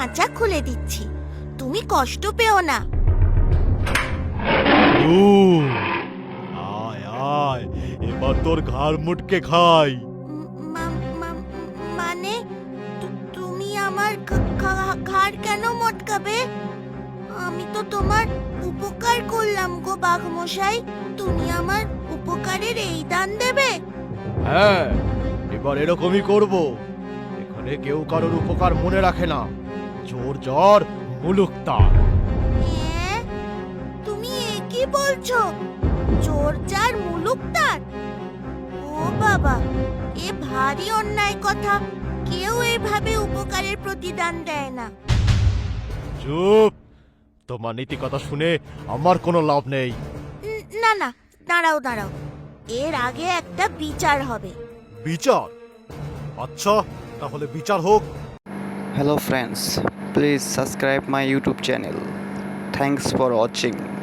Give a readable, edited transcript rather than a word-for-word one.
খাঁচা খুলে দিচ্ছি, তুমি কষ্ট পেও না। ও আয় আয়, এবার তোর ঘাড় মুটকে খাই। মানে তুমি আমার ঘাড় কেন মটকাবে? আমি তো তোমার উপকার করলাম গো বাঘমশাই, তুমি আমার উপকারের এই দান দেবে? হ্যাঁ, এবার এরকমই করব। এখানে কেউ কারোর উপকার মনে রাখে না। চোর জ্বর মুলুক তার। হ্যাঁ, তুমি এ কি বলছো? চোর যার মুলুক তার? ও বাবা, এ ভারী অন্যায় কথা। কেউ এইভাবে উপকারের প্রতিদান দেয় না। চুপ, তোমার নীতি কথা শুনে আমার কোনো লাভ নেই। না না, দাঁড়াও দাঁড়াও, এর আগে একটা বিচার হবে। বিচার? আচ্ছা, তাহলে বিচার হোক। Hello friends, please subscribe my YouTube channel. Thanks for watching.